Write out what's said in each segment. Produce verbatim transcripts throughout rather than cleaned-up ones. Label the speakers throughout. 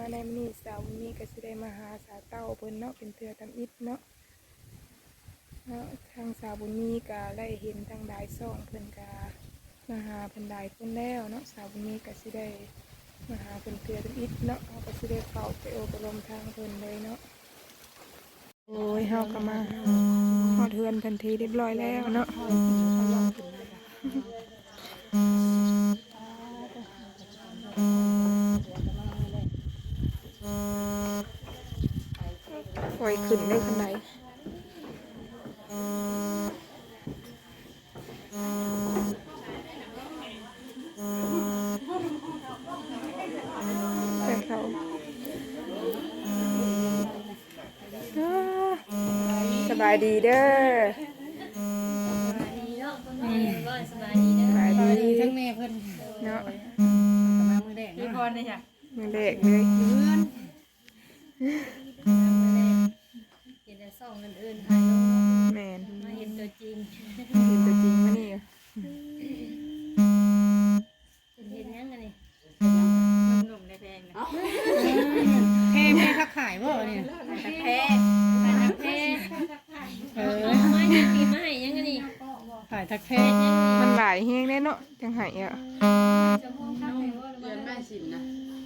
Speaker 1: ในมื้อนี้สาวนี้ก็สิได้มาหาสาวเต้าเพิ่นเนาะเป็นเทื่อทำอิฐเนาะเนาะทางสาวบุญมีก็ได้เห็นทางดายซ่องเพิ่นก็มาหาเพิ่นได้เพิ่นแล้วเนาะสาวบุญมีก็สิได้มาหาเพิ่นเทื่อทำอิฐเนาะเฮาก็สิได้เข้าไปอบรมทางเพิ่นเลยเนาะโอ้ยเฮาก็มาฮอดเฮือนทันทีเรียบร้อยแล้วเนาะปล่อยขึ้นได้ขนาดไหนแต่เขาสบายดีเด้อสบายดีทั้งแม่เพิ่นเนาะมามือแดงพี่พรเลยจ้ะมือแดงเลยเพื่อนเห็นแต่ส่องนั่นเอิญถ่ายลงแมนมาเห็นตัวจริงเห็นตัวจริงมานี่เห็นยังไงนี่หนุ่มๆในแพงนะแพงแพงทักขายบ่เนี่ยแพงทักแพงเออไม่ยังปีไม่ยังไงนี่ขายทักแพงมันหลายแห้งแน่เนาะจังหายอ่ะ
Speaker 2: เรียนแม่ชิมนะ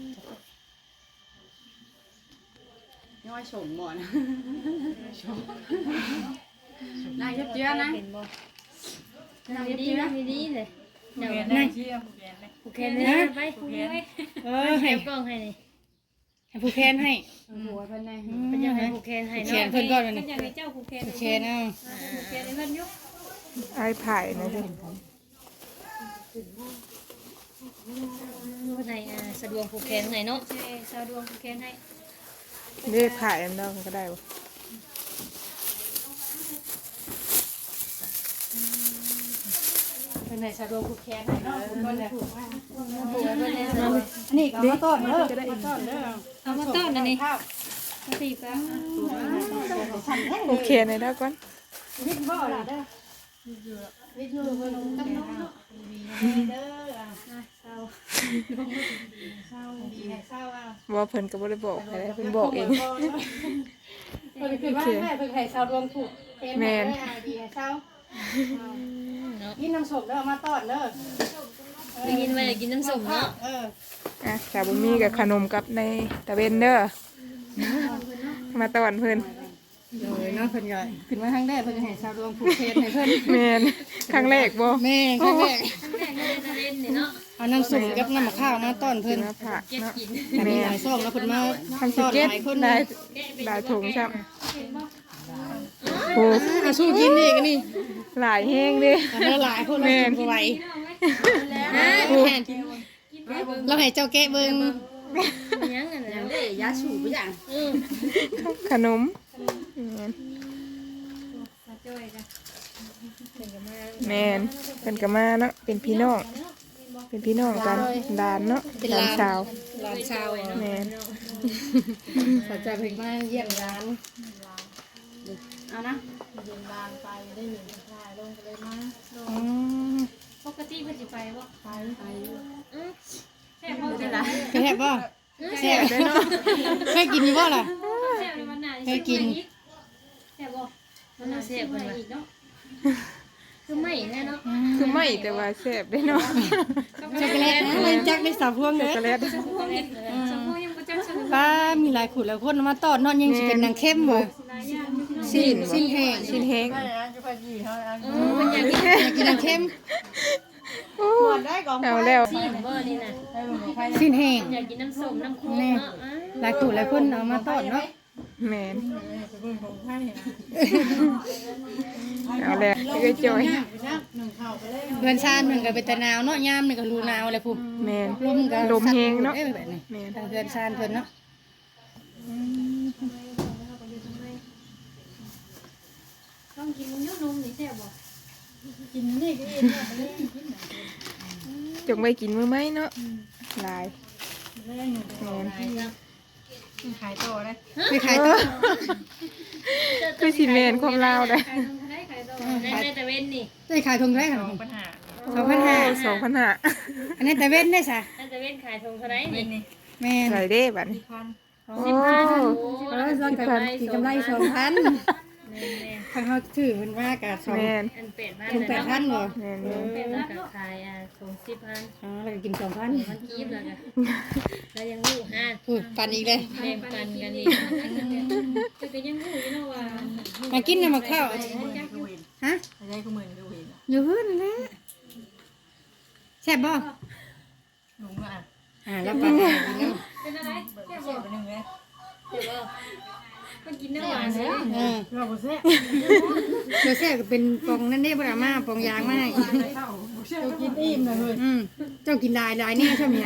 Speaker 2: ย่อยชมหมดนะชมนายเยอะเยอะนะนายเยอะเยอะดีเลยเดี๋ยวนายผูกแขนเลยไปผูกแขนเออให้กล้องให้นี่ให้ผูกแขนให้หัวเพิ่นนายเป็นยังไงผูกแขนให้เนาะแขนเพิ่นก่อนเลยเป็นยังไงเจ้าผูกแขนผูกแขนเอาผูกแขนให้เพิ่นยุก
Speaker 1: ไอ้ไผ่นะจ๊ะ
Speaker 3: วันไหนสะดวกผูกแขนไหนเนาะสะดวกผูกแขนให้
Speaker 1: เรียกไผ่อันนั้นก็ได้
Speaker 2: เป็นไหนสะดวกผูกแขนให้เนาะผูกเลยผูกว่าผูกเลยอันนี้ก็มาต้อนเด้อมาต้อนเด้อ
Speaker 3: เอามาต้อนอันนี้มาตีกัน
Speaker 1: โอเคในด้านก่อน
Speaker 2: วิทย์บ่ล่ะเด้อวิทย์อยู่เพิ่นกับน้องเนาะเด้อเศร้าเศร้าดีให้เศร้าอ่ะ
Speaker 1: ว่าเพิ่นก็บ่ได้บอกอะไรเพิ่นบอกเอง
Speaker 2: เพิ่นคือว่าแม่เพิ่นให้เศร้ารวมถูกแม่ดีให้เศร้ากินน้ำส้มเด้อมาต้อนเด้อ
Speaker 3: ได้ยินว่าอยากกินน้ำส้มเนาะ
Speaker 2: เออ
Speaker 1: อ่ะสาวบุญมีกับขนมกับในตะเวนเด้อมาต้อนเพิ่น
Speaker 2: เลยเนาะเพิ่นก็ขึ้นมาทางแรกเพิ่นให้ชาวดวงผูกเพชรให้เพิ่น
Speaker 1: แม่นครั้งแรกบ่
Speaker 2: แม่ครั้งแรก
Speaker 3: แม่ก็เลยจะเล่นนี่เนาะ
Speaker 2: เอาน้ำส้มกับน้ำมะพร้าวมาต้อนเพิ่น
Speaker 1: มาผักเนาะ
Speaker 2: แม่หลายซองแล้วเพิ่นมา
Speaker 1: ต้อนหลายคนได้ได้ถุงซับโอ้
Speaker 2: อาสู้กินนี่กันนี่
Speaker 1: หลายแห้งดิ
Speaker 2: เด้อหลายคนแม่บ่ไหวเราให้เจ้าแกะเบิ่ง
Speaker 3: ยังอันนั้น
Speaker 2: เด้ยาสูบบ่อย่าง
Speaker 1: ขนมแม่นเป็นกะมาเนาะเป็นพี่น้องเป็นพี่น้องกันดานเนาะหลานสาว
Speaker 2: หลานสาว
Speaker 1: แม่น
Speaker 2: ขอจะเพิ่นมาเยี่ยมร้านเอานะเยี่ยมร้านไปได้หนึ่งถ่ายลงกันเลยมา
Speaker 3: อืมปกติเพิ่นสิไปบ่ไปไปอือแซ่บบ่จ้ะล่ะ
Speaker 2: แซ่บบ่แซ่บได้เนาะเคยกินอยู่บ่ล่ะ
Speaker 3: แซ่บในวันหน้า
Speaker 2: เคยกิน
Speaker 3: แซ่บบ่มันน่าแซ่บเพิ่นว่าอีกเนาะคือไม่แน่เนาะ
Speaker 1: คือไม่แต่ว่าแซ่บได้เนาะ
Speaker 2: ช็อกโกแลตมันจักได้สาวพวงเด้
Speaker 1: ช็อกโกแลต
Speaker 3: ช็อกโกแลตช็อกโกแลตยังบ่จักช็อกโกแลต
Speaker 2: ป้ามีหลายขูดหลายคนมาต้อนเนาะยังสิเป็นนางเข้มบ่
Speaker 1: สิ้น
Speaker 2: สิ้นแห้ง
Speaker 1: สิ้นแห้ง
Speaker 3: เออมันอยากกิน
Speaker 2: อยากกินนางเข้ม
Speaker 1: เอาแล้ว
Speaker 3: สิ้นบ่นี่น่ะ
Speaker 2: สิ้นแห้ง
Speaker 3: อยากกินน้ำส้มน้ำโค้กเนาะ
Speaker 2: หลายขูดหลายคนเอามาต้อนเนาะ
Speaker 1: แม่นเอาแล้วก็จอย
Speaker 2: เพื่อนชาติหนึ่งก็เป็นตะนาวเนาะยามหนึ่งก็รูนาวอะไรพู
Speaker 1: แม่น
Speaker 2: ลมก็
Speaker 1: ลมแห้งเนาะ
Speaker 2: แม่นทางเพื่อนชาติเพิ่นเนาะ
Speaker 3: ต้องกินนมนมนี่แซ่บบ่
Speaker 2: กินนี่ก็เอง
Speaker 1: จงไปกินมื้อไหมเนาะลายแม่น
Speaker 2: ขายต่อได้
Speaker 1: ไม่ขายต่อคือสิแม่นความลาวได้
Speaker 3: ในในตะเวนนี่
Speaker 2: ได้ขายทงได้ค่ะสองพันห้า
Speaker 1: สองพันห้า
Speaker 2: อันนี้ตะเวนได้ซะ
Speaker 3: ในตะเวนขายทงเท่าไหร่นี่
Speaker 4: แม่น
Speaker 1: ใส่เด้บัดนี้
Speaker 2: พัน
Speaker 1: โอ้
Speaker 3: สิบพัน
Speaker 4: เออส่วนกับกินกำไรสองพัน
Speaker 3: แม่น
Speaker 4: ทางเขาถือเพิ่นว่ากับสอง
Speaker 1: แม่น
Speaker 3: ๆอันเป็ดบ้าน
Speaker 4: ถึงแปดพันบ่
Speaker 1: แม่น
Speaker 4: เอ
Speaker 1: แม่น
Speaker 4: อ
Speaker 3: เป็ดบ้านก็ขายอ่ะส่งสิบพัน
Speaker 4: อ๋อแล้วก็กินสองพัน
Speaker 3: มันกีบแล้วก็แล้วยังลูกห้า
Speaker 4: พูดปันอีกเลย
Speaker 3: แบ่งปันกันอีกแต่ก็ยังลูกอยู่เนาะว่า
Speaker 4: มากินน้ำมะข้าว
Speaker 2: หมื่นดูเห็น
Speaker 4: ฮะ
Speaker 2: อะไรก็หมื่นดูเห็น
Speaker 4: อยู่เพิ่นนะแซ่บบ่
Speaker 2: หนูอ่ะ
Speaker 4: อ่าแล้วปันให้กินน้
Speaker 3: เป็นอะไร
Speaker 2: เบิก
Speaker 3: แค่
Speaker 2: เสี
Speaker 3: บ
Speaker 2: ย
Speaker 3: อก
Speaker 2: ไปหนึ่งเลย
Speaker 3: เดี๋ยวว่ามันกินน้ำหวานเลย
Speaker 4: ำเออ
Speaker 2: เราบ่เสีย
Speaker 4: เดี๋ยวแซ่บก็เป็นปองนั่นเด้บ่ล่ะมาปองยางมาให้
Speaker 2: เจ้ากินอิ่มเลยเฮ้ย
Speaker 4: อืมเจ้ากินหลายหลายแน่ใช่มั้ย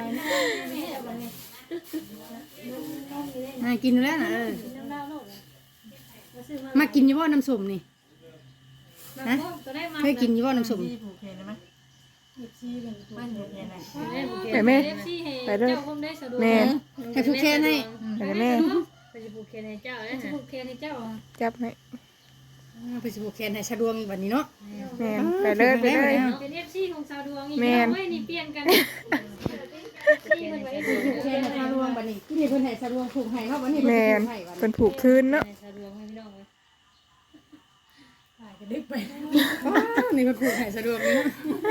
Speaker 4: อ่ากินอยู่แล้วน่ะเออ
Speaker 3: น้ำเหล้าโลกมาซื้อมา
Speaker 4: มากินอยู่บ่น้ำส้มนี่
Speaker 3: ฮะตัวได้มา
Speaker 4: เคยกินอยู่บ่น้ำส้ม
Speaker 2: ที่ผูกแขนได้ไหมบ้านผูกแขนไหน
Speaker 1: ไปแม่
Speaker 3: ไปเด้อเจ้าคงได้สะดวก
Speaker 1: แม่น
Speaker 4: ให้ผู้แค่ให้
Speaker 1: ไปแม่
Speaker 3: ไปจะผูกแขนให้เจ้าแล้วผูกแขนให้เจ้า
Speaker 1: จับให้
Speaker 4: อ่าไปสิผู้แค่ให้สะดวกอีกบัดนี้เนาะ
Speaker 1: แม่นไปเลยไปเลย
Speaker 3: เป็นเอฟซีของสาวดวงอีก
Speaker 1: แม่น
Speaker 3: ไม่นี่เปลี่ยนกันที่มันไว้
Speaker 4: ผูกแค่ให้สะดวกบัดนี้ที่นี่เพิ่นให้สะดวกผูกให้เนาะบัดนี้เพิ่น
Speaker 1: แม่
Speaker 4: สิ
Speaker 1: น
Speaker 4: ผูกให้บัด
Speaker 1: เพิ่
Speaker 4: นี้
Speaker 1: นผูกคืนเนาะ
Speaker 3: สาวดวงให้พี่น้องเลย
Speaker 2: ถ่ายกันดึกไป
Speaker 4: ว้าวนี่เพิ่นผูกให้สะดวกนี่เนาะ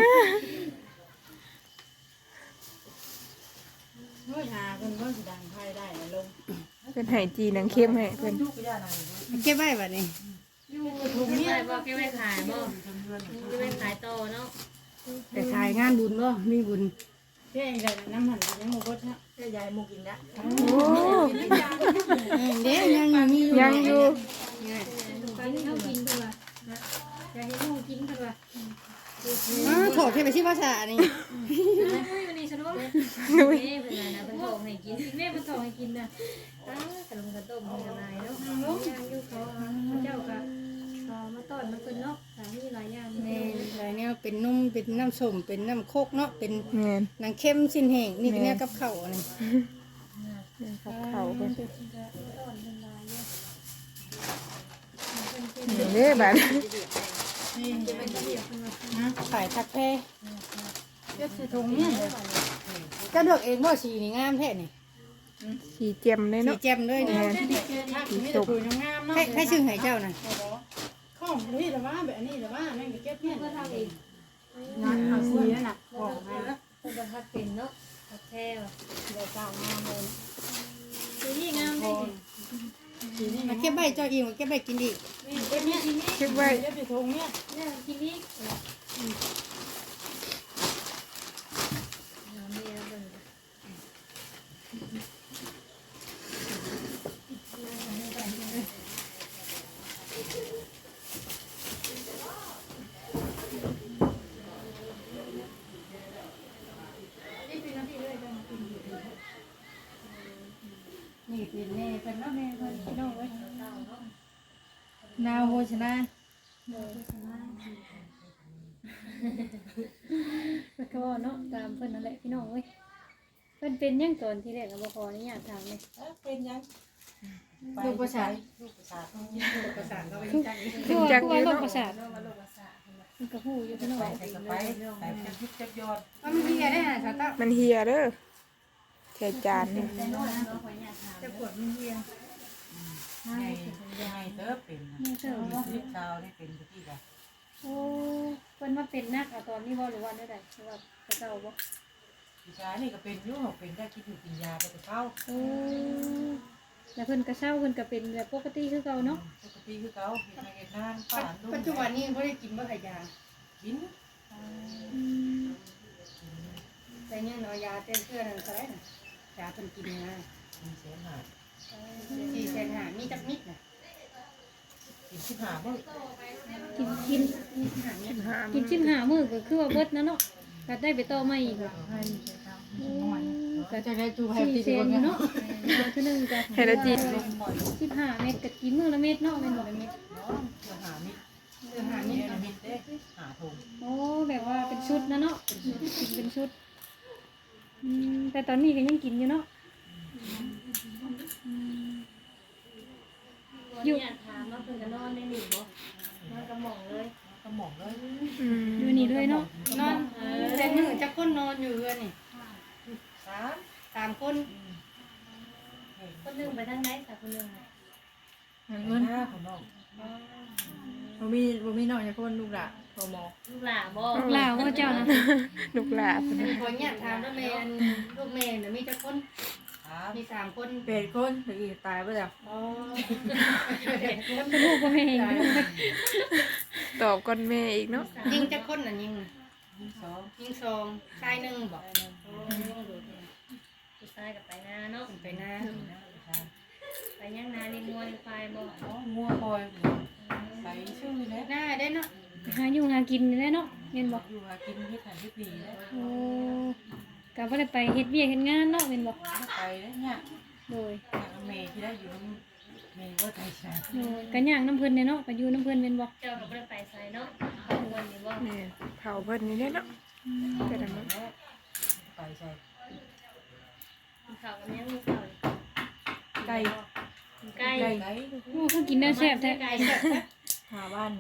Speaker 2: เฮ้ยหาเพิ่นเพิ่นสิดังไพ่ได้ลง
Speaker 1: เพิ่นให้จีหนังเข้มให้เพิ่น
Speaker 2: ทุกอย่างนั่น
Speaker 4: เก็บไว้บัดนี้
Speaker 3: ถุงนี้บอกแกไว้ขายบ่แกไว้ขายต่อเนาะ
Speaker 4: แต่ขายงานบุญบ่มีบุญ
Speaker 2: เจ๊ใหญ่น้ำหันยังโมกุฎนะเจ๊ใหญ่โมกินละ
Speaker 1: โอ้
Speaker 4: เออเด้ยังอยู่มีอยู่
Speaker 1: ยังอยู่
Speaker 3: ตอนนี้เขากินตัวอยากให้ลูกกินตัว
Speaker 4: อ๋อโถดให้ไปที่ภาษานี่
Speaker 3: วันนี้สะดวก
Speaker 1: นุ้ย
Speaker 3: แม่เพิ่นนะเพิ่นบอกให้กินแม่เพิ่นบอกให้กินนะอ้าขนมกระต้มมีอะไรเนาะย่างอยู่เขาเจ้าก็มาต้อนมาเพิ่นเนาะสามีหลายอย่าง
Speaker 4: แม่หลายแนวเป็นนุ่มเป็นน้ำส้มเป็นน้ำโคกเนาะเป็น
Speaker 1: แม่น
Speaker 4: หนังเข้มสิ้นแห้งนี่เป็นแนวกับข้าวนี่
Speaker 1: เขาเขาเพิ่น
Speaker 3: ต้อนเพิ่นหลายเยอะ
Speaker 1: เด้บัด
Speaker 4: ขายทักแพ้
Speaker 2: เจ๊สิถุงเนี่ย
Speaker 4: ก็เลือกเองบ่สีนี่งามแท้นี่
Speaker 1: สีเจียมเลย
Speaker 4: สี
Speaker 1: เนาะ
Speaker 4: แจ่มเลยนี่
Speaker 2: มีแต่ถุงงามเนาะ
Speaker 4: ให้ให้ชื่อให้เจ้าน่ะ
Speaker 2: ข้องนี่แต่ว่าแบบนี้แต่ว่านั่นก็เก็บเนี่ย
Speaker 3: เพื่อทำเอง
Speaker 2: งานเอาสีนั่นน่ะของมา
Speaker 3: เพิ่นบ่ทักเป็นเนาะทักแท้ว่ะ
Speaker 2: เดี๋ยวเจ้างามเลย
Speaker 3: สีนี่งามได้
Speaker 2: สีนี่
Speaker 4: มาเก็บใบเจ้าอีกมาเก็บใบกินอีก
Speaker 3: เก็บนี่กินนี่
Speaker 1: เก็บไว้
Speaker 2: เจ๊สิถุงเนี่ย
Speaker 3: เนี่ยกินนี่น้ำเบียร์เบิ่ง
Speaker 4: นี่เป็นแม่เป็นเนาะแม่เพิ่นพี่น้องเว้ย
Speaker 2: นาวโภชนะ
Speaker 3: มันก็เนาะตามเพิ่นนั่นแหละพี่น้องเว้ยเพิ่นเป็นยังตอนที่แรกก็บ่ขออนุญาตถามเลย
Speaker 2: เป็นยัง
Speaker 4: ลูกภาษา
Speaker 2: ลูกภาษา
Speaker 4: ลูกภาษาก็ไปจักอีก
Speaker 3: คือว่าคือว่าโรคประสาทมันก็ฮู้อยู่พี่น้อง
Speaker 2: ไปใส่กระไปใส่จับพิษจับยอด
Speaker 4: ว่ามันเฮียได้น่ะสาวเต้า
Speaker 1: มันเฮียเด้อแค่จานนี่
Speaker 4: จะปวดมันเฮีย
Speaker 2: ไงไงเติบเป็น
Speaker 3: นี่เสิร์ฟบ่
Speaker 2: ลิปซาวนี่เป็นที่ละ
Speaker 3: โอ้เพิ่นมาเป็นนักอะตอนนี้บ่หรือว่าได้ใดหรือว่าเขาเจ้าบ่
Speaker 2: ผู้ชายนี่ก็เป็นยุ่งเป็นได้คิดอยู่กินยาไปแต่เข้า
Speaker 3: โอ้แล้วเพิ่นก็เศร้าเพิ่นก็เป็นแบบปกติคือเก่าเนาะ
Speaker 2: ปกติคือเขาเห็นเห็นนานป่านลูก
Speaker 4: ปัจจุบันนี้บ่ได้กินบ่ขายา
Speaker 2: กิน
Speaker 4: แต่เนี่ยเอายาเต้นเพื่อนนั่นก็ได้น่ะยาเพิ่นกินนะ
Speaker 2: กินเสียหาย
Speaker 4: สี่แสนห้ามีจักนิดน่ะ
Speaker 2: กินชิบหาเมื่อ
Speaker 3: กินกิน
Speaker 1: สิบห้า
Speaker 3: กินชิมหามื้อก็คือว่าเบิดนะเนาะก็ได้ไปต่อใหม่อีกบ่
Speaker 2: ให้
Speaker 3: ก็
Speaker 4: จะได้จูให้
Speaker 3: สี่
Speaker 4: ติด
Speaker 3: แส
Speaker 4: คน น
Speaker 3: เนาะเอาเทื่อนึงก็
Speaker 1: ให้ละจี
Speaker 3: สิบห้าเม็ดก็กินมื้อละเม็ดเนาะแม่นบ่ละเม็ด
Speaker 2: น้องจะหามิดจะหามิดมิดเด้หาถุง
Speaker 3: โอ้แบบว่าเป็นชุดนะเนาะกินเป็นชุดอืมแต่ตอนนี้ก็ยังกินอยู่เนาะอยู่ถามว่าเพิ่นจะนอนได้หนิบ่นอนกระหม่องเลย
Speaker 2: ก็หมองเลย
Speaker 1: อืม
Speaker 3: อยู่นี่ด้วยเนาะ
Speaker 4: นอนแต่มื้อจักคนนอนอยู่เฮือนนี่
Speaker 2: สาม
Speaker 4: สามคน
Speaker 3: คนหนึงไปทางไหนค่ะคนหนึงน่ะ
Speaker 2: เงินห้าของน้องบ่มีบ่มีน้องจักคนลูกล่ะพอหมอ
Speaker 3: ลูกหลานบ่
Speaker 1: ลูกหลานว่าเจ้านะลูกหลาน
Speaker 4: อันนี้ขออนุญาตถามแล้วแม่อันลูกแม่น่ะมีจักคนมีสามคน
Speaker 2: เป็ดคนถึงอีกตายไปแล้ว
Speaker 4: อ๋อ
Speaker 3: ลูกบ่แม่ง
Speaker 1: ตอบก่อนแม่อีกเนาะ
Speaker 4: ยิงจักคนน่ะยิง
Speaker 2: สอง
Speaker 4: ยิงซองชายหนึ่งบอก
Speaker 3: ผู้ชายก็ไปนาเนาะ
Speaker 4: ไปหน้า
Speaker 3: ไปย่างนาเลี้ยงงัวเลี้ยงควายบ่
Speaker 2: อ๋องัวคอยไปชื่อแล้ว
Speaker 4: หน้าได้เนาะ
Speaker 3: หาอยู่หากินได้เนาะแม่นบ่
Speaker 2: อยู่หากินเฮ็ดหันเฮ็ดดีแล้ว
Speaker 3: โอ้ก็บ่ได้ไปเฮ็ดเวียกเฮ็ดงานเนาะแม่นบ่
Speaker 2: ไปแล้วเนี่ย
Speaker 3: โดย
Speaker 2: เมย์ที่ได้อยู่เมย์ว่าไทยชา
Speaker 3: โดยก็ย่างน้ำเพิ่นเนาะก็อยู่น้ำเพิ่นแม่นบ่เจ้าก็บ่ได้ไปไสเนาะเอาเงินนี่บ่
Speaker 1: แม่เผาเพิ่นนี่เนาะแต่ละมื้อ
Speaker 2: ไปใช่
Speaker 3: กินข้าวกับยังมีข้าว
Speaker 2: ไก่
Speaker 3: ไก่
Speaker 2: ไก่ไก่
Speaker 3: โอ้คือกินได้แซ่บแท้
Speaker 4: ไก่เสร็จนะ
Speaker 2: หาบ้าน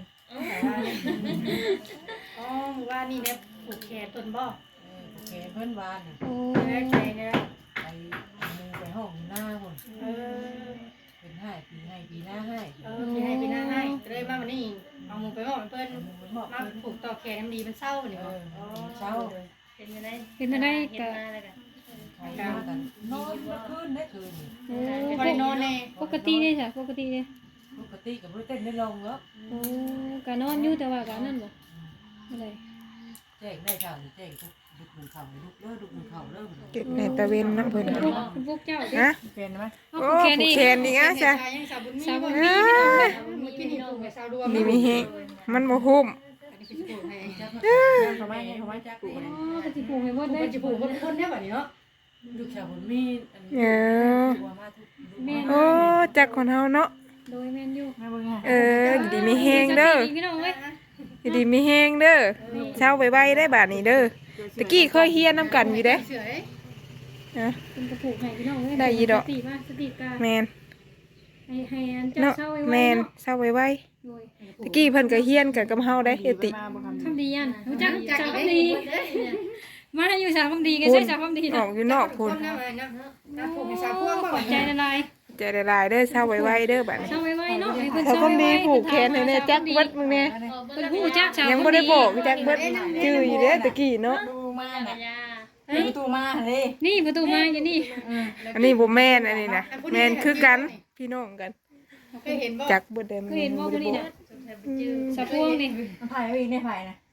Speaker 4: อ๋อว่านี่เนี่ยผูกแขนต้นบ่
Speaker 2: เออโอเคเพื่อนบ้าน
Speaker 3: โอ้
Speaker 4: ได้ใจเนี่ย
Speaker 2: ไปมูไปห้องหน้าคน
Speaker 4: เออ
Speaker 2: เป็นให้ปีให้ปีหน้าให้
Speaker 4: เออพี่ให้พี่หน้าให้เลยมาวันนี้เอามือไปบอกเพิ่น
Speaker 2: มูมันบอก
Speaker 4: มา
Speaker 2: เพื่อน
Speaker 4: ผูกต่อแขนมันดีมันเศร้านี่
Speaker 2: เอ
Speaker 4: บ่
Speaker 2: อเช้า
Speaker 3: เป็นจังได๋
Speaker 1: เป็นจังได๋
Speaker 3: เฮ็ด
Speaker 1: ก็
Speaker 3: มาแล้วก็
Speaker 2: ใครกันนอนเมื่อคืนได้คืน
Speaker 3: โอ้
Speaker 4: บ่ได้นอนแน่
Speaker 3: ปกติเด้จ้ะปกติเด้
Speaker 2: ปกติกับเพื่อนเต้นได้ลงแล้ว
Speaker 3: โอ้ก็นอนอยู่แต่ว่าก็นั่นบ่อะไร
Speaker 2: แจ้งได้ข่าวแจ้งทุกดุกหนึ่งเข่าดุกเลิกดุกหนึ่งเข่าเลิก
Speaker 1: เก็บในตะเวนเนาะเพิ่น
Speaker 3: คุณ
Speaker 1: ก็
Speaker 3: พวกคุณพวกเจ้าเด้
Speaker 1: ฮะ
Speaker 2: เป็นไหม
Speaker 3: เอา
Speaker 1: โอ้
Speaker 3: ผูกแขน
Speaker 1: ผูก
Speaker 3: อีก
Speaker 1: แขนอีกอ่ะจ้ะ
Speaker 4: ยังสาวบุญมี
Speaker 3: สาวบุ
Speaker 4: บ่
Speaker 3: ญมีพี่น้องเด้อ
Speaker 4: มีพี่นี่ผูกกับสาวดวง
Speaker 1: นี่มีเฮงมันบ่คุ้ม
Speaker 4: อันนี้คือสิผูกให้
Speaker 2: เขาไม่เขาไม่จักกู
Speaker 3: อ๋อก็สิผูกให้หมด
Speaker 4: ผูก
Speaker 3: เด้
Speaker 4: มันจะผูกคนคนได้บัดนี้เนาะ
Speaker 2: ลูกชาวบุญมี
Speaker 1: เออ
Speaker 2: ตัวมาทุก
Speaker 3: แม่น
Speaker 1: โอ้จักคนเฮาเนาะ
Speaker 3: โดยแม่นอยู่
Speaker 2: แม่เบิ่งไง
Speaker 1: เอออยู่ดีมีแฮงเด้อ
Speaker 3: พี่น้องเว้ย
Speaker 1: อยู่ดีมีแฮงเด้อเช้าไวๆได้บาดนี้เด้อตะกี้เคยเฮียนนํกันอยู่เด้
Speaker 4: เฉย
Speaker 1: นะ
Speaker 3: เป็นกระผูกให้พี่น้องเว้ย
Speaker 1: ได้อีดอก
Speaker 3: สติมาสติกา
Speaker 1: แมน
Speaker 3: ให้ให้อันเจ้า
Speaker 1: เนาะ
Speaker 3: เศร้าไว้
Speaker 1: แม
Speaker 3: ไว้
Speaker 1: น
Speaker 3: เนาะ
Speaker 1: เช้าไว
Speaker 3: โดย
Speaker 1: ๆตะกี้เพิ่นก็เฮียนกันกับเฮาได้เอติ
Speaker 3: คำดียันรู้จัก
Speaker 4: จัก
Speaker 3: สาว
Speaker 4: อีก
Speaker 3: คำ
Speaker 4: ได้
Speaker 3: ดี
Speaker 4: เด้อ
Speaker 3: มาอยู่สาวคำดีกันใช่สาวคำดี
Speaker 1: อ
Speaker 3: นะ
Speaker 1: อกอยู่นอก
Speaker 4: ค
Speaker 1: พุ่น
Speaker 4: นนะมันเนาะน้ำผูกให้สาวพวงบ่
Speaker 3: ขอบใจละลาย
Speaker 1: ใจละลายเด้อเช้าไวๆเด้อบัดนี้
Speaker 3: เศร้าไว้ไว้เนาะให้เพิ่น
Speaker 1: เขา
Speaker 3: เศร้า
Speaker 1: ก็
Speaker 3: ไว้
Speaker 1: มี
Speaker 3: ไว้
Speaker 1: ผูกแขนให้แน่จักเบิดมึงแน่
Speaker 3: เพิ่นฮู้จักสาว
Speaker 1: ยัง
Speaker 3: คำ
Speaker 1: บ่
Speaker 3: ดี
Speaker 1: ได้บอกจักเบิดชื่ออยู่เด้อตะกี้เนาะ
Speaker 2: ดูมา
Speaker 3: จัก
Speaker 2: น่ะ
Speaker 3: รยา
Speaker 2: ประตูมาเลย
Speaker 3: นี่ประตูมาอยู่นี่
Speaker 1: อันนี้บ่แม่นอันนี้นะแม่นคือกันพี่น้องกัน
Speaker 4: เคยเห็นบ่
Speaker 1: จักเบิดได้มัน
Speaker 3: เคยเห็นบ่คนนี้นะสาวพวงนี่
Speaker 2: มันถ่ายไว้อีกในถ่ายนะ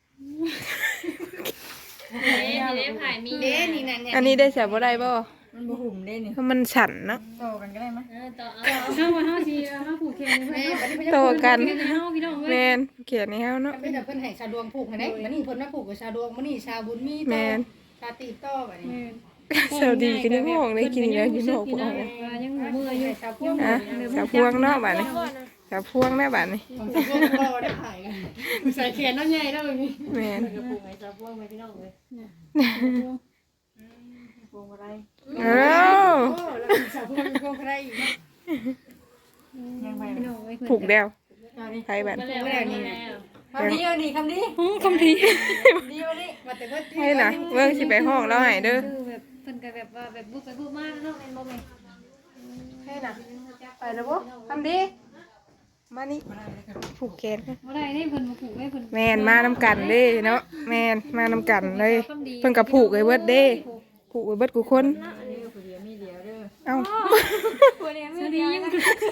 Speaker 3: เด้เด้ถ่ายมี
Speaker 4: เด้นี่นั่นเนี่ย
Speaker 1: อันนี้ได้ใส่บ่ได้บ่
Speaker 2: มันบ่หุ่มได้นี่
Speaker 1: เพราะมันสั่นเนาะ
Speaker 2: โตกันก็ได้มั้ย
Speaker 3: เออต่อเอาเฮาว่าเฮาสิเอามาผูกแขนให้
Speaker 4: แม่
Speaker 3: เพิ่น
Speaker 4: บัดนี้เพิ่น
Speaker 1: โตกัน
Speaker 3: เฮ็ดให้เฮาพี่น้องเว้ย
Speaker 1: แม่นเขียนให้เฮาเนาะ
Speaker 4: เพิ่นเพิ่นให้ชาวดวงผูกให้ได้บัดนี้เพิ่นมาผูกกับชาวดวงมื้อนี้ชาวบุญมี
Speaker 1: แม่น
Speaker 4: ชาติต่อบัดนี้
Speaker 1: สวัสดีกันในห้องได้กินแล้วอยู่นอก
Speaker 3: พี่
Speaker 1: ห้
Speaker 3: น้
Speaker 1: อ
Speaker 3: อง งว่ายังเมื่อยอยู่
Speaker 4: ชาวพวง
Speaker 1: อ่ะสาวพวงเนาะบัดนี้สาวพวงแม่บัดนี้
Speaker 4: ของชาวพวงบ่ได้ขายกันใส่แขนน้อยใหญ่แล้วนี่
Speaker 1: แม่น
Speaker 3: กระปุกให้สาวพวงไว้พี่น้องเว้ย
Speaker 2: พวงอะไร
Speaker 1: เอ้า
Speaker 4: โอ้แล้วชาวพวงมีพวงใครอีกเนาะ
Speaker 2: ยังไป
Speaker 3: พี่น้องเว้ย
Speaker 1: ผูกแล้ว
Speaker 2: เอาดิ
Speaker 1: ไผบัด
Speaker 3: มาแล้วมาแล้ว
Speaker 2: คำนี้เอาดิคำนี้
Speaker 1: คำที
Speaker 2: ดีเอาดิ
Speaker 4: ว่าแต่เพิ่น
Speaker 1: ให้น่ะเบิ่งสิไปห้องแล้วให้เด้อ
Speaker 3: คือแบบเพิ่นก็แบบว่าแบบบุกไปบุกมาเนาะแม่นบ่แม่น
Speaker 1: ให้น่ะไปแล้วบ่คำดีมานี่ผูกแขน
Speaker 3: บ่ได้ได้เพิ่นมาผูกไว้เพิ่น
Speaker 1: แม่นมานำกันเด้เนาะแม่นมานำกันเลยเพิ่นก็ผูกไว้เบิดเด้ผูกไว้เบิดกูคน
Speaker 2: อันนี้ก็ผู้เดียวมีเดียวเด้อ
Speaker 1: เอ้า
Speaker 3: บ่ได้ไม่ดียัง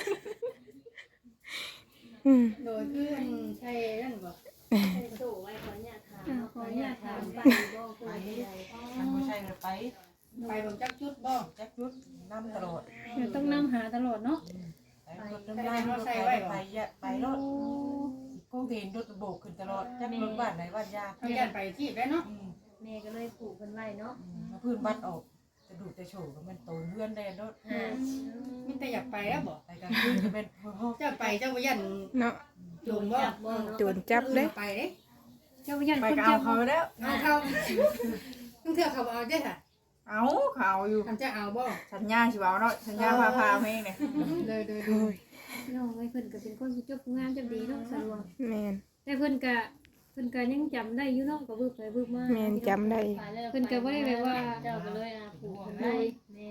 Speaker 1: อืม
Speaker 4: โดยคืออันใช่นั่นบ่
Speaker 3: สู้ไว้ขออนุญาตถามขออนุญาตถามไปบ่เคยได้
Speaker 2: มันบ่ใช่ไป
Speaker 4: ไปบ่จักจุดบ่
Speaker 2: จักยุดน้ำตลอด
Speaker 3: เดี๋ยวต้องนำหาตลอดเนาะ
Speaker 2: ไปรถน้ำลายรถไปไปไปรถก็เห็นรถโบกขึ้นตลอดจักรถบ้านไหนบ้านยา
Speaker 4: เขาอยากไปที่ได้เนาะ
Speaker 3: แม่ก็เลยผูกเพิ่นไว้เนาะ
Speaker 2: มาพื้นบ้านออกจะดูจะโฉบมันโตเพื่อนได้รถ
Speaker 3: อ่า
Speaker 4: มีแต่อยากไปแล้วบ่
Speaker 2: ไปกลางคืนจะเป็นห้อง
Speaker 4: เจ้าไปเจ้าบ่ยัน
Speaker 1: เนาะ
Speaker 4: โดนบ่
Speaker 1: โจรจับเด้
Speaker 4: ไปเด้
Speaker 3: เจ้ายัน
Speaker 2: ไป
Speaker 3: คน
Speaker 2: เอา
Speaker 3: จับ
Speaker 2: เขาแล้ว
Speaker 4: เอาเขาต้องเทื่อเขาเอาได้ค่ะ
Speaker 2: เอาเขาอยู่
Speaker 4: ทำจะเอาบ่
Speaker 2: สัญญาสิเอาเนาะสัญญาพาพาเพลงเนี่ย
Speaker 4: เลยเลย
Speaker 1: โอ้ย
Speaker 3: น้องไว้เพิ่นก็เป็นคนจบงานจบดีเนาะสะดวก
Speaker 1: แม่น
Speaker 3: แต่เพิ่นก็เพิ่นก็ยังจำได้อยู่เนาะก็บึกไปบึกมา
Speaker 1: แม่นจำได้
Speaker 3: เพิ่นก็บ่ได้แบบว่าเจ้าก็เลยอ่ะผูกเพิ่นไว้แม่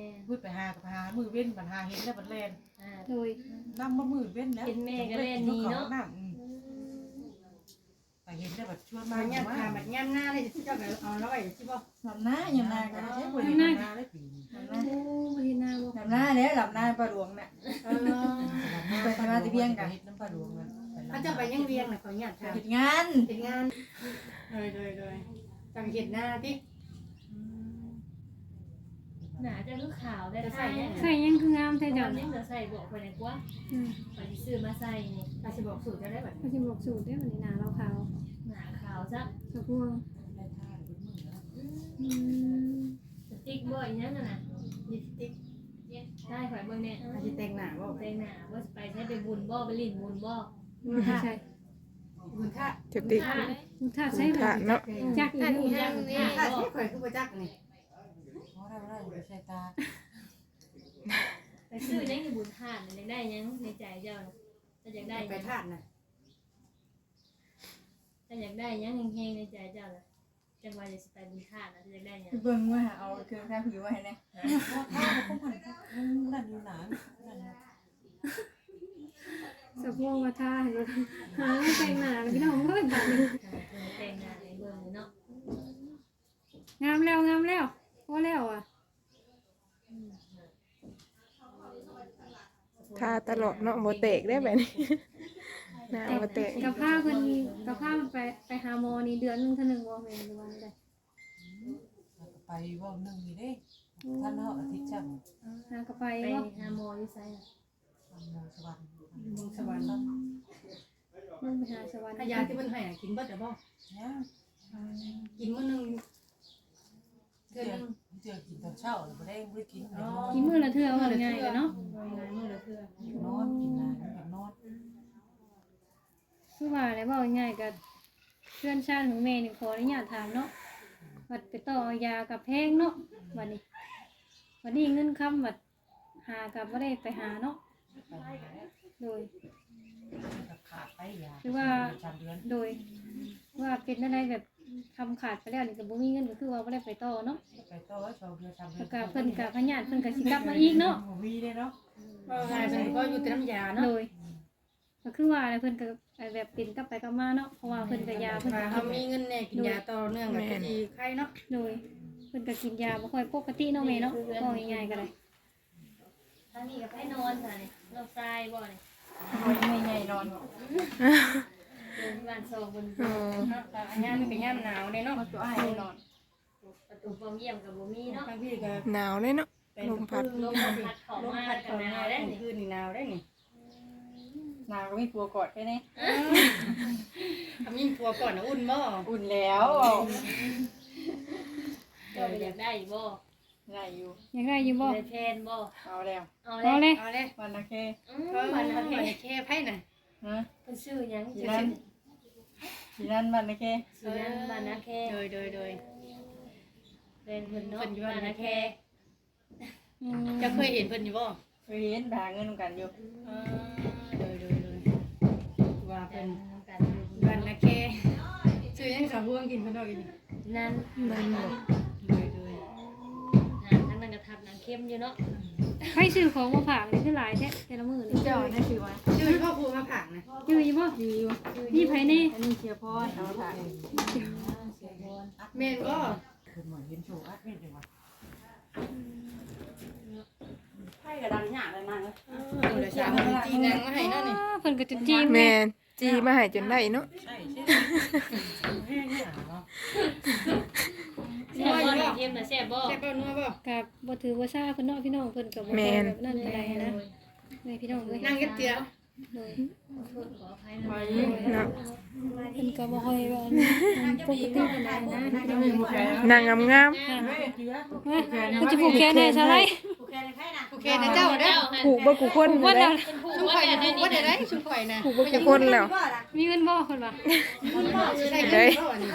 Speaker 5: ไปหากับหามือเว้นบัดหาเห็นแล้วบัดแล่น
Speaker 3: อ่า
Speaker 6: โดย
Speaker 5: นำมามือเว้นแล้ว
Speaker 3: เห็นแม่ก็เล่นนี่เนาะ
Speaker 5: ไปเห็นแล้วบัดชวน
Speaker 4: มา
Speaker 5: มา
Speaker 4: เนี่ย
Speaker 5: ว่า
Speaker 4: ทาบัดย่ำหน้าเลยเจ้าก็เอาแล้วไว้สิบ่
Speaker 7: ลำหน้าอย่างนาก็ใช้ปุ๋ย
Speaker 5: เห็น
Speaker 7: ลำหน้า
Speaker 5: หน้าได้ปีนี้
Speaker 6: โอ้บ่เห็นหน้าบ่
Speaker 7: ลำหน้าเนี่ยลำหน้าปลาหลวงน่ะ
Speaker 4: เออ
Speaker 5: ไปทำมาที่เบียงกันเฮ็ดน้ำปลาหลวงมัน
Speaker 4: เขาจะไปยังเวียงน่ะเขาเนี่ยทา
Speaker 7: เห็ดงาน
Speaker 4: เป็นงานเลยเลยเลยจังเห็ดหน้าที่
Speaker 3: หนาจะคือขาวได้
Speaker 4: จะ
Speaker 3: ใส่
Speaker 4: ใส่
Speaker 3: ยั
Speaker 4: ยัง ง
Speaker 6: ใส่ยังคืองามแท้
Speaker 3: แต่
Speaker 6: เจ้า
Speaker 3: เดี๋ยวนี้จะใส่บอกไปไหนกว่า
Speaker 6: อืม
Speaker 3: ไปซื้อมาใส่นี่
Speaker 4: เราจะบอกสูตรจะได้แบบ
Speaker 6: ก็สิบอกสูตรได้บัดนี้หน้าเราขาว
Speaker 3: หนาขาวซะ
Speaker 6: สะพวงอืม
Speaker 3: สติ๊กบ่อยนั่นน่ะ
Speaker 4: ยิติ๊ก
Speaker 3: ใช่ข่อยเบิ่งเนี่ย
Speaker 4: อาจจะแต่งหน้าบ่
Speaker 3: แต่งหน้าว่าไปใช้ไปบุญบ่ไปลิ้นบุญบ่
Speaker 6: บ่ใช่ใช่
Speaker 4: คุณท่า
Speaker 1: จะติด
Speaker 6: มุทาใส่
Speaker 1: ถาเนาะ
Speaker 6: จักอีก
Speaker 3: บุญจังนี่
Speaker 4: ท่า
Speaker 3: บ่
Speaker 4: ที่ข่อยคือประจักษ์นี่
Speaker 5: เพราะได้บ่ได้ไปใช้ตา
Speaker 3: ไปซื้อยังบุญทานอยากได้ยังในใจเจ้าถ้าอยากได้
Speaker 4: ไป
Speaker 3: ยัง
Speaker 4: ทาดน่ะ
Speaker 3: ถ้าอยากได้ยังแห้งๆในใจเจ้าล่ะจังว่าจะไปบุญทานนะถ้าอยากได้ยัง
Speaker 7: เบิ่งว่าเอาเครื่องข้าวผิวไว้ให้แน่
Speaker 5: เพราะถ้าบ่คงหันนั่นอยู่หนานั่น
Speaker 6: สะพวงว่าทาให้รถหาแต่งหน้าพี่น้องเอ้ยบัดนี้
Speaker 3: แต่งหน้าให้เบิ่งเนาะ
Speaker 6: งามแล้วงามแล้วพอแล้วอ่ะ
Speaker 1: ทาตลอดเนาะบ่แตกได้แบบนี้หน้าบ่แตก
Speaker 6: กับผ้าเพิ่นกับผ้ามันไปไปหาหมอนี่เดือนหนึงเท่านึงบ่แม่นหรือว่าได้
Speaker 5: ไปว่านึงนี่เด้ท่านเฮาอาทิตย์จัง
Speaker 6: หากระไป
Speaker 3: ไป
Speaker 6: บ่
Speaker 3: หาหมออยู่ไสน่ะ
Speaker 5: มงสวรรค์
Speaker 4: มงสวรรค์
Speaker 6: มึงไปหาสวรรค์
Speaker 4: ถ้ายาที่เพิ่นให้กินเบิดแต่บ่
Speaker 5: เนี่ย
Speaker 4: กินมื้อนึง
Speaker 5: เจอเจอกินตอนเช้าแล้วบ่ได้บ่ได้กินนอน
Speaker 6: กินมื้อละเทื่อว่าง่ายกันเนาะ
Speaker 4: มื้อละเทื่อน
Speaker 5: อนกินนานแบบนอน
Speaker 6: คือว่าแล้วเว้าง่ายๆก็เพื่อนชาติของแม่นี่ขออนุญาตถามเนาะวัดไปต่อยากับแพงเนาะวันนี้วันนี้เงินคำวัดหากับบ่ได้ไปหาเนาะ
Speaker 5: ไปแล้ว
Speaker 6: โดย
Speaker 5: กับขาดไปยา
Speaker 6: คือว่า
Speaker 5: สามเดือน
Speaker 6: โดย ว่าเป็นอะไรแบบทำขาดไปแล้วนี่ก็บ่มีเงินก็คือว่าบ่ได้ไปต่อเนาะ
Speaker 5: ไปต่อสองเดือนสามเดือน
Speaker 6: แล้วก็เพิ่นก็พญาติเพิ่นก็สิกลับมาอีกเนาะ
Speaker 5: บ่มีเด้เนาะ
Speaker 4: ก็ง่ายเพิ่นก็อยู่แต่น้ำยาเนาะ
Speaker 6: โดยก็คือว่าอะไรเพิ่นก็แบบเป็นกลับไปกลับมาเนาะเพราะว่าเพิ่นก็ยาเพิ่น
Speaker 4: ว่า
Speaker 6: ก็
Speaker 4: เฮามีเงินแน่กินยาต่อเนื่องก็สิไข้เนาะ
Speaker 6: โดยเพิ่นก็กินยาบ่ค่อยปกติเนาะแม่เนาะก็ง่ายๆก็ได้
Speaker 3: ทางนี้ก็ไปนอนซะนี่นอนทรายบ่นี่
Speaker 7: ไม่ใหญ่นอน
Speaker 3: เดินที่บ้านโซบน
Speaker 1: อ๋อ
Speaker 4: เนาะแต่อันยามนี่ก็ยามหนาวเด้เนาะ
Speaker 7: ตัวอ้ายนอน
Speaker 3: ประตูบ่เยี่ยมกับบ่มีเนาะ
Speaker 4: บางทีก็
Speaker 1: หนาวเลยเนาะ ลมพัด
Speaker 3: ลมพัดเข้า
Speaker 4: ลม
Speaker 3: มา
Speaker 4: พัด
Speaker 3: กั
Speaker 4: เข้าน
Speaker 3: ห
Speaker 4: ห
Speaker 3: นาน
Speaker 4: าว ว
Speaker 3: ได้
Speaker 4: ได้
Speaker 3: นี่
Speaker 4: คืนนี่หนาวได้นี่
Speaker 7: นางก็มีปัวกอดแค่นี้
Speaker 4: ทำยิ่งตัวก่อนนะอุ่นบ่
Speaker 7: อุ่นแล้ว
Speaker 3: เจ้าอยากได้บ่
Speaker 7: ได้อยู่
Speaker 6: อยากได้อยู่บ่
Speaker 3: ได้แทนบ่
Speaker 7: เอาแล้ว
Speaker 3: เอา
Speaker 6: เอา
Speaker 3: เลย
Speaker 6: เลย
Speaker 4: เอาเลย
Speaker 7: วันละแค่
Speaker 3: อื
Speaker 4: เออ
Speaker 3: ม
Speaker 4: มั
Speaker 3: วัน น
Speaker 4: เอา
Speaker 3: นั้น
Speaker 4: ไปแค่ไพ่น่ะ
Speaker 7: ฮะ
Speaker 3: เพิ่นชื่อหยัง
Speaker 7: สี
Speaker 3: ชื่อ
Speaker 7: นั้นสีนั้นวันละแค่
Speaker 3: ชื่อนั้นบ้านนาแค
Speaker 4: โดยโดยโดย
Speaker 3: เป็นเพิ่นเนาะ
Speaker 4: เพิ่นอยู่บ้าน
Speaker 3: บ้านนา
Speaker 4: นา
Speaker 3: แค
Speaker 4: แค
Speaker 6: อืม
Speaker 4: จะเคยเห็นเพิ่นอยู่บ่
Speaker 7: เคยเห็นหาเงินกันอยู่
Speaker 4: เออโดยโดยโดยว่า
Speaker 3: เป็
Speaker 4: เพิ่
Speaker 3: น
Speaker 4: น
Speaker 3: กัน
Speaker 4: บ้านนาแคซื้อยังสาวพวงกินเพิ่นเอาอีก
Speaker 3: นั่น
Speaker 1: นั่นบ่
Speaker 4: โดยโดย
Speaker 3: นั่นทั้งนั้นก็ทับนางเข้มอยู่เนาะ
Speaker 6: ให้ซื้อของมาฝากนี่คือหลายแท้แต่ละมื้อนี่
Speaker 7: เจ้าได้ซื้อมา
Speaker 4: ชื่อพ่อครูมาผักนะ
Speaker 6: อยู่อยู่บ่
Speaker 7: อยู่อยู่
Speaker 6: นี่ไผแน่
Speaker 7: อันนี้เชียร์พอดเอามาถ่าย
Speaker 4: แม่นบ่
Speaker 5: คือเหมือนเห็นโชว์อัดเม็ดจังว่า
Speaker 7: ไพ่กระดังหยาเลยนางเลย
Speaker 4: เออเดี๋ยวสาวเพิ่นจีนางมาให้เนาะนี่
Speaker 6: อ้าเพิ่นก็จะจีม
Speaker 1: แม่นจีมาให้จนได้เนาะ
Speaker 5: ใช่ใช่แห้งเนี่ยเนาะ
Speaker 3: แซ่บบ่นางเข้มน่ะแซ่บบ่
Speaker 4: แซ่บบ่นัวบ่
Speaker 6: ก็บ่ถือว่าซ่าเพิ่นเนาะพี่น้องเพิ่นก็บ่ค่อยแบบนั้นปานใดนะแม่พี่น้องเอ้ย
Speaker 4: นั่งกันเตียว
Speaker 6: โดย
Speaker 3: โทษขออภัยนะ
Speaker 1: เนาะ
Speaker 6: เพิ่นก็บ่ค่อยว่าปกติปานใดนะพี่น้องเอ้ย
Speaker 1: นางงาม
Speaker 5: เฮ้ยเจือ
Speaker 6: มันจะผูกแขนให้ซะไร
Speaker 4: โอเคนะเจ้าเด้อ
Speaker 1: ๆผูกบ่กูคน
Speaker 6: ว่า
Speaker 1: เล
Speaker 6: เดี๋ย
Speaker 1: ยว
Speaker 4: ชุมข่อยนะบ่ได้ได้ชุมข่อยนะ
Speaker 1: ผูกบ่กูคนแล้ว
Speaker 6: มีเงินบ่เพิ่นว่า
Speaker 4: ใช่เด้อนี่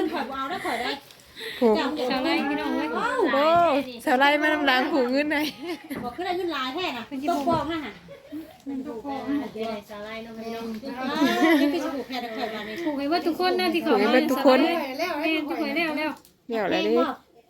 Speaker 1: ผูก
Speaker 6: ซะไรพี่น้องเอ้ย
Speaker 1: โอ้สาวไล่มานำหลังผูกเงินไหน
Speaker 8: บอกขึ้นได้ขึ้นหลายแท้น่ะ
Speaker 6: เพิ่นสิ
Speaker 8: ต้
Speaker 6: ผู
Speaker 8: อง
Speaker 6: ก
Speaker 8: บอกนะฮะ
Speaker 3: ถูกแล้วเดี๋ยวสาลายเนาะพี่น้อง
Speaker 8: อ่ายังเป็นสบู่แพรตะข่อยมานี่
Speaker 6: ผูกให้เบิดทุกคนนะที่เขา
Speaker 1: ผูกให้เบิดทุกคน
Speaker 4: แล้ว
Speaker 6: แม่ทุกคนแล้วแล้ว
Speaker 1: เดี๋ยวแล้วดิ
Speaker 8: บอก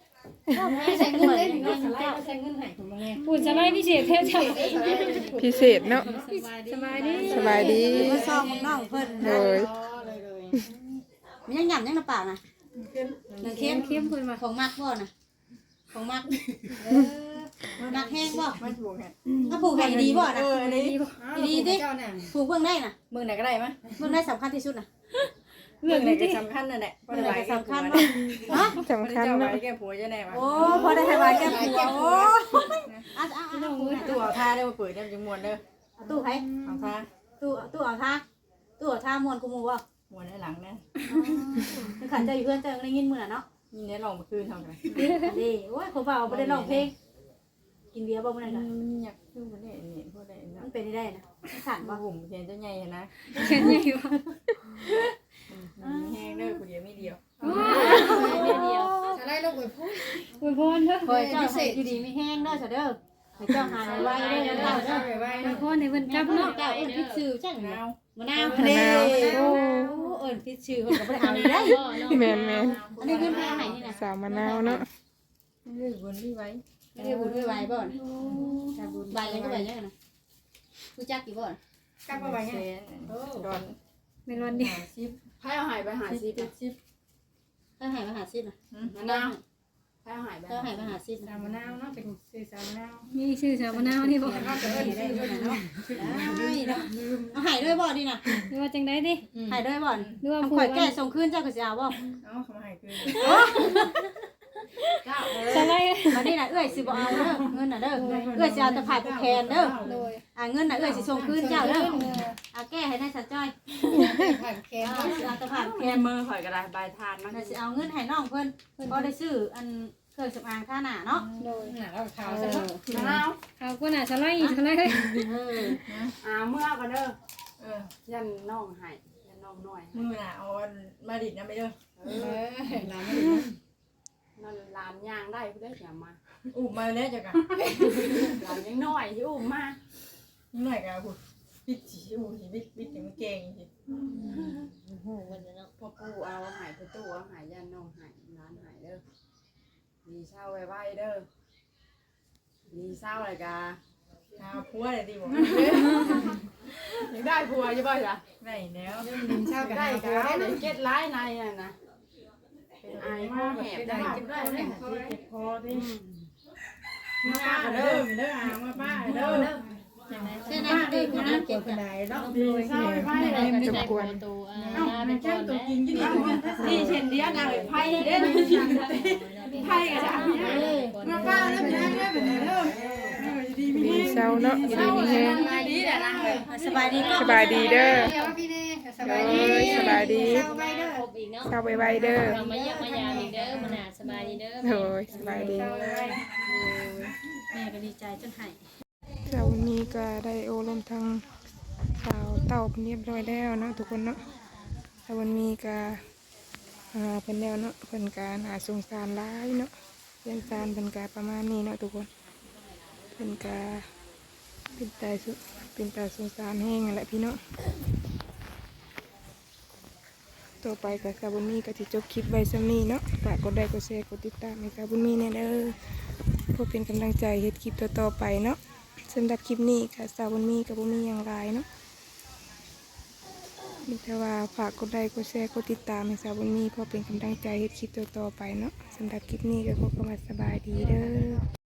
Speaker 8: ใส่เงินเลยถึงเงินเจ้าใส่เงินให้ผมมาแน่
Speaker 6: บุญสบายพิเศษแท้จ้ะ
Speaker 1: พิเศษเนาะ
Speaker 6: สบายดี
Speaker 1: สบายดี
Speaker 8: มาซ่อมน้องเพิ่น
Speaker 1: โดย
Speaker 8: มียังหยั่นยังน้ำปากนะหนึ่งเค็ม
Speaker 6: เข้มเพิ่นว่า
Speaker 8: ของมักบ่นะของมักเออมักแห้งบ่
Speaker 7: มันผูกแขน
Speaker 8: ถ้าผูกแห้งดีบ่นะ
Speaker 7: เอออันนี้
Speaker 8: ดีดิผูกเบิ่งได้นะ
Speaker 7: มึงไหนก็ได้มั้ย
Speaker 8: เบิ่งได้สำคัญที่สุดนะ
Speaker 6: เรื่อง
Speaker 7: ไหน
Speaker 6: นี้
Speaker 7: ก็
Speaker 6: ที่
Speaker 7: สำคัญนั่นแหละ
Speaker 8: เบิ่งได้สำคัญ
Speaker 7: บ่
Speaker 8: บ่ฮะ
Speaker 1: สำคัญ
Speaker 7: เจ้าไว้
Speaker 1: เนาะ
Speaker 7: แก้ผัวจะแน่วะ
Speaker 8: โอ้พอได้ให้วายแก้ผัวโอ้อ่ะอ่ะอ่ะ
Speaker 7: ตู้เอาท่าได้มาเปิดได้จังมวนเด้อ
Speaker 8: เอาตู้ให้
Speaker 7: เอาท่า
Speaker 8: ตู้ตู้เอาท่าตู้เอาท่ามวนกูหมู่บ่
Speaker 7: มวนได้หลังนะ
Speaker 8: คือขันเจ้าอยู่เพื่อนเจ้าได้ยินมื้อน่ะเนาะ
Speaker 7: นี่เนี่ยลองมาคืนเท่ากัน
Speaker 8: นี่โอ้ยผมว่าบ่ได้ร้องเพลงกินเบียร์บ่มื้อนั้น
Speaker 7: อื
Speaker 8: น่ะ
Speaker 7: มอยากคือมันได้นี่พวกได้
Speaker 8: มั
Speaker 7: เนาะ
Speaker 8: นเป็นได้นะสั่นบ่
Speaker 7: มาหุ่มเขียนเจ้าใหญ่นะ
Speaker 6: แค่นี้ว่า
Speaker 7: แห้งเด้อกูเดียวไม่เดียว
Speaker 6: เดียว
Speaker 4: อะไรลูกเอ้ยพูด
Speaker 6: อวยพรเด้อ
Speaker 8: คอยเจ้าให้อยู่ดีมีแห้งเด้อซะเด้อให้เจ้าหายไว้เด้อเจ้าเด้อ
Speaker 7: ไปไว้
Speaker 6: อวยพรให้เพิ่นกลับเนาะ
Speaker 8: เจ้าเอิ้นพิษชื่อจัง
Speaker 7: เอา
Speaker 8: มะนาว
Speaker 1: มะนาวโอ้
Speaker 8: โอ้เอิ้นพิษชื่อเพิ่นก็บ่ได้เอาได้
Speaker 1: แม่นแม่น
Speaker 8: อันนี้เงินแพงไหนนี่น่ะ
Speaker 1: สาวมะนาวเนาะ
Speaker 7: เรื่องบนที่ไว้
Speaker 8: อันนี้บุญไว้บ่น่ะถ้าบุญใบยังก็ใบยังน่ะรู้จักกี่บ่น่ะ
Speaker 7: กลับมาไว้ไงดอน
Speaker 6: ในวันเดียว
Speaker 7: ชิปให้เอาหายไปหาชิปชิป
Speaker 8: ถ้าให้มาหาซิบน่ะ
Speaker 7: มะนาวให้เอาหายไป
Speaker 8: ถ้าให้มาหาซิบ
Speaker 4: สามมะนาวเนาะเป็นซื้อสามมะนาว
Speaker 6: มีชื่อสาวมะนาวนี่บ่
Speaker 8: ก็จะเอิ้นได้ด้วยน่ะเนาะได้เนาะเอาให้ด้วยบ่นี่น่ะ
Speaker 6: หรือว่าจังได๋ดิ
Speaker 8: ให้ด้วยบ่
Speaker 6: หรือว่า
Speaker 8: ทำ
Speaker 6: ผู้
Speaker 8: ข่อย
Speaker 6: ว่า
Speaker 8: แก้ส่งคืนเจ้าก็สิเอาบ่
Speaker 7: เอาเขามาหายคืน
Speaker 6: สบาย
Speaker 8: บัดนี้น่ะเอ้ยสิบ่เอาเด้อเงินน่ะเด้อเอ้ยสิเอาแต่ผ่ายผู้แทนเด้อ
Speaker 6: โดย
Speaker 8: อ่าเงินน่ะเอ้ยสิส่งคืนเจ้าเด้อเอาแก้ให้นายสัจจ้อย
Speaker 4: ผ่านแค
Speaker 8: เอา
Speaker 4: ม
Speaker 8: สิเอาแต่ผ่านผู้
Speaker 7: แค
Speaker 8: แทน
Speaker 7: มือข่อยกระดาษใบทานมัน
Speaker 8: น่ะสิเอาเงินให้น้องเพิ่นพอได้ซื้ออันเครื่องสำอางท่าหน้าเนาะ
Speaker 6: โดย
Speaker 4: หน้าเราขาว
Speaker 8: เอ
Speaker 4: ซะ
Speaker 8: อ
Speaker 4: เนาะ
Speaker 7: มะนาว
Speaker 6: เขาก็น่าสไลด์สไลด์
Speaker 8: เออ
Speaker 7: อ่าเมื่อกันเด้อเออยันน้องหายยันน้องน้อยมือน่ะเอามาดิดนะไปเด้อ
Speaker 4: เออหลานไม่ดี
Speaker 7: นั่นลานย่างได้เพื่ออย่ามาอุ้มมาแล้วจ้ะกะลานยังน้อยที่อุ้มมายังน้อยกะพูดปิดจีอุ้มจีปิดปิดถึงเก่งจี
Speaker 8: โอ้โหวันนี้เนาะ
Speaker 7: พ่อปู่เอาหายพ่อตู่เอาหายยันน้องหายร้านหายเด้อดีเศร้าไว้ไว้เด้อดีเศร้าอะไรกะเอาผัวเลยดีบอกยังได้ผัวใช่ป่ะจ๊ะได้แล้ว
Speaker 4: ดินเช่ากัน
Speaker 7: ได้
Speaker 4: หา
Speaker 7: กั
Speaker 4: ผัวได้
Speaker 7: บ
Speaker 4: เล
Speaker 7: เลย ยเก็ดร้ายในน่ะนะเป็นไอมาแหบได้เก็บได้เลยเก็บคอดิมาป้าเด้อมีเด้ออ่างมาป้าเด้อ
Speaker 8: ใช่ไหมดีคนนั้นเก็บ
Speaker 4: คน
Speaker 8: กัน
Speaker 4: ใดเนาะ
Speaker 7: ดีเศร้าไว้เลย
Speaker 1: จบกวน
Speaker 7: เอาเป็นแก้มตัวกินยี่ดีนี่เช่นเดียวกันเลยไพ่เด้อไพ่กันจ้ะมาป้าแล้วเป็นไงเป็นไงเด้อดีมี
Speaker 1: ดีเศร้าเนาะอยู่ดีมีแฮง
Speaker 7: ดีแต่นั่งเลย
Speaker 8: สบายดีก็
Speaker 1: สบายดีเด้อ
Speaker 4: เดี๋ยวพี่เน่ส
Speaker 1: เอบ
Speaker 4: ายดี
Speaker 1: ้ยสบายดี
Speaker 4: เช่าไปเด้อ
Speaker 3: ครบอีกเนาะ
Speaker 1: เศร้าไวๆเด้อ
Speaker 3: เรามาเยี่ยมมายามอีกเด้อมันน่ะสบายดีเด้อ
Speaker 1: โอ้ยสบายดี
Speaker 4: เช่าไป
Speaker 8: แม่ก็ดีใจจนหาย
Speaker 1: เช้าวันนี้ก็ได้โอลมทางสาวเต่าเรียบร้อยแล้วเนาะทุกคนเนาะเช้าวันนี้ก็อ่าเป็นแล้วเนาะเป็นการหาสงสารร้ายเนาะเรียนการเป็นการประมาณนี้เนาะทุกคนเป็นการเป็นตาสุเป็นตาสงสารแห้งนั่นแหละพี่เนาะต่อไปกับสาววันนี้ก็จะจบคลิปไว้ซ้ำนี้เนาะฝากกดไลค์กดแชร์กดติดตามให้สาววันนี้แน่เด้อเพื่อเป็นกำลังใจเฮ็ดคลิปต่อๆไปเนาะสำหรับคลิปนี้ค่ะสาววันนี้กับบุมีอย่างไรเนาะมีแต่ว่าฝากกดไลค์กดแชร์กดติดตามให้สาววันนี้เพื่อเป็นกำลังใจเฮ็ดคลิปต่อๆไปเนาะสำหรับคลิปนี้ก็ขอเข้ามาสบายดีเด้อ